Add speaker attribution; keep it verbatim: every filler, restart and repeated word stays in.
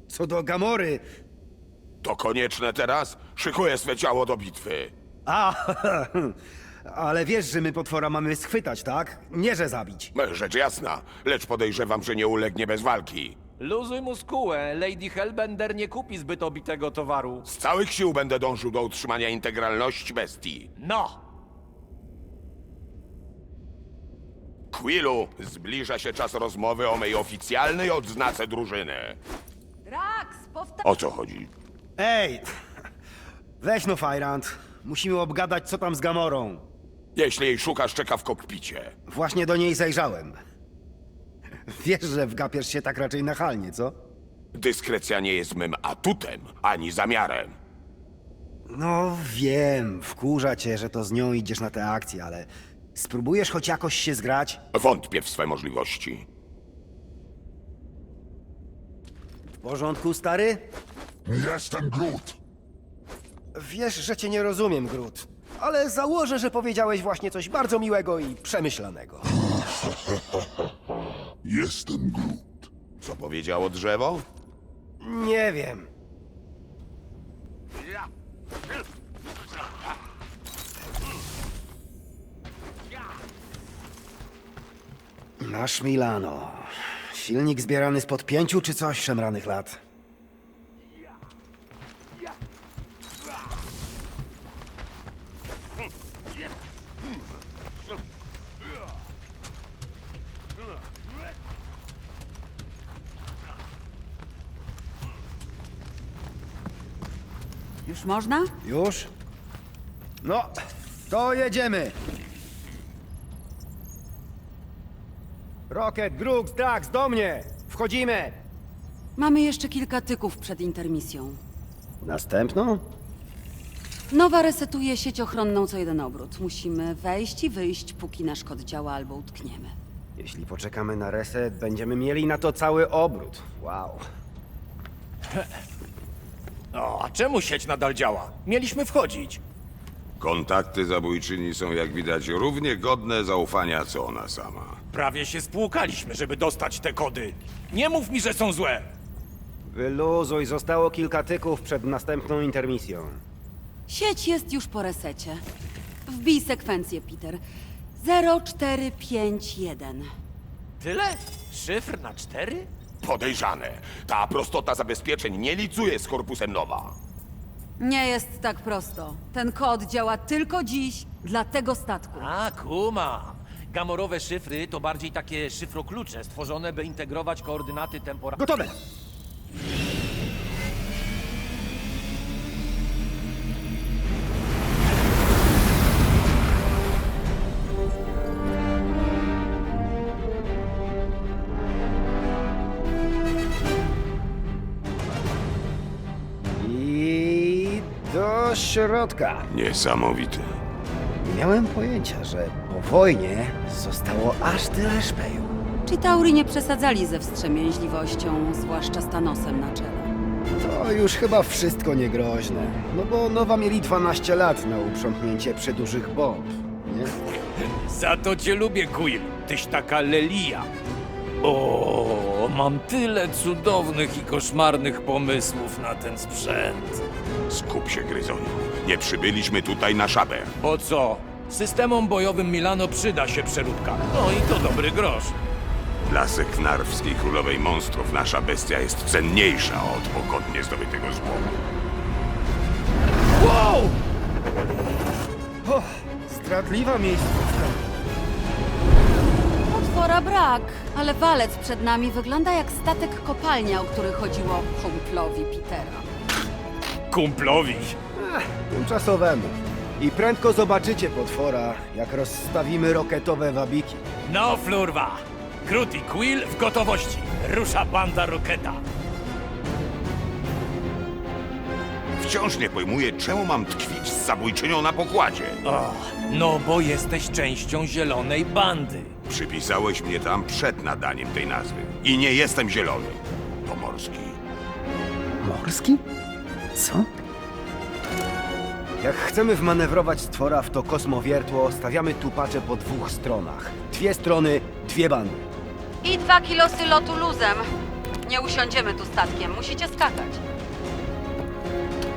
Speaker 1: Co do Gamory...
Speaker 2: To konieczne teraz? Szykuję swe ciało do bitwy.
Speaker 1: A, ale wiesz, że my potwora mamy schwytać, tak? Nie, że zabić.
Speaker 2: Rzecz jasna, lecz podejrzewam, że nie ulegnie bez walki.
Speaker 3: Luzuj muskułę, Lady Hellbender nie kupi zbyt obitego towaru.
Speaker 2: Z całych sił będę dążył do utrzymania integralności bestii.
Speaker 3: No!
Speaker 2: Quillu, zbliża się czas rozmowy o mej oficjalnej odznace drużyny.
Speaker 4: Drax, powtarzam.
Speaker 2: O co chodzi?
Speaker 1: Ej, weź no, Fajrant. Musimy obgadać, co tam z Gamorą.
Speaker 2: Jeśli jej szukasz, czeka w kokpicie.
Speaker 1: Właśnie do niej zajrzałem. Wiesz, że wgapiesz się tak raczej nachalnie, co?
Speaker 2: Dyskrecja nie jest mym atutem, ani zamiarem.
Speaker 1: No wiem, wkurza cię, że to z nią idziesz na tę akcję, ale spróbujesz choć jakoś się zgrać?
Speaker 2: Wątpię w swe możliwości.
Speaker 1: W porządku, stary?
Speaker 5: Jestem Groot.
Speaker 1: Wiesz, że cię nie rozumiem, Groot. Ale założę, że powiedziałeś właśnie coś bardzo miłego i przemyślanego.
Speaker 5: Jestem Groot.
Speaker 2: Co powiedziało drzewo?
Speaker 1: Nie wiem. Nasz Milano. Silnik zbierany spod pięciu czy coś szemranych lat.
Speaker 4: Już można?
Speaker 1: Już? No, to jedziemy. Rocket, Grux, Drax, do mnie! Wchodzimy!
Speaker 4: Mamy jeszcze kilka tyków przed intermisją.
Speaker 1: Następną?
Speaker 4: Nowa resetuje sieć ochronną co jeden obrót. Musimy wejść i wyjść, póki nasz kod działa albo utkniemy.
Speaker 1: Jeśli poczekamy na reset, będziemy mieli na to cały obrót. Wow.
Speaker 3: O, a czemu sieć nadal działa? Mieliśmy wchodzić.
Speaker 2: Kontakty zabójczyni są, jak widać, równie godne zaufania, co ona sama.
Speaker 3: Prawie się spłukaliśmy, żeby dostać te kody. Nie mów mi, że są złe!
Speaker 1: Wyluzuj, zostało kilka tyków przed następną intermisją.
Speaker 4: Sieć jest już po resecie. Wbij sekwencję, Peter. zero cztery pięć jeden.
Speaker 3: Tyle? Szyfr na cztery?
Speaker 2: Podejrzane. Ta prostota zabezpieczeń nie licuje z korpusem Nowa.
Speaker 4: Nie jest tak prosto. Ten kod działa tylko dziś dla tego statku.
Speaker 3: A, kuma. Gamorowe szyfry to bardziej takie szyfroklucze stworzone, by integrować koordynaty temporalne.
Speaker 1: Gotowe! I do środka.
Speaker 2: Niesamowite.
Speaker 1: Nie miałem pojęcia, że po wojnie zostało aż tyle szpeju.
Speaker 4: Chitauri nie przesadzali ze wstrzemięźliwością, zwłaszcza z Thanosem na czele.
Speaker 1: To już chyba wszystko niegroźne. No bo Nowa mieli dwanaście lat na uprzątnięcie przedużych bomb, nie?
Speaker 3: Za to cię lubię, Quill. Tyś taka lelia. O, mam tyle cudownych i koszmarnych pomysłów na ten sprzęt.
Speaker 2: Skup się, Gryzoniu. Nie przybyliśmy tutaj na szabę.
Speaker 3: Po co? Systemom bojowym Milano przyda się przeróbka. No i to dobry grosz.
Speaker 2: Dla seknarwskiej królowej monstrów nasza bestia jest cenniejsza od pogodnie zdobytego złomu.
Speaker 3: Wow!
Speaker 1: O, zdradliwa miejscówka.
Speaker 4: Potwora brak, ale walec przed nami wygląda jak statek kopalnia, o który chodziło kumplowi Petera.
Speaker 3: Kumplowi.
Speaker 1: Ech, tymczasowemu. I prędko zobaczycie potwora, jak rozstawimy roketowe wabiki.
Speaker 3: No, flurwa. Groot i Quill w gotowości. Rusza banda Roketa.
Speaker 2: Wciąż nie pojmuję, czemu mam tkwić z zabójczynią na pokładzie.
Speaker 3: O, no bo jesteś częścią zielonej bandy.
Speaker 2: Przypisałeś mnie tam przed nadaniem tej nazwy. I nie jestem zielony. To morski.
Speaker 1: Morski? Co? Jak chcemy wmanewrować stwora w to kosmowiertło, stawiamy tupacze po dwóch stronach. Dwie strony, dwie bandy.
Speaker 4: I dwa kilosy lotu luzem. Nie usiądziemy tu statkiem, musicie skakać.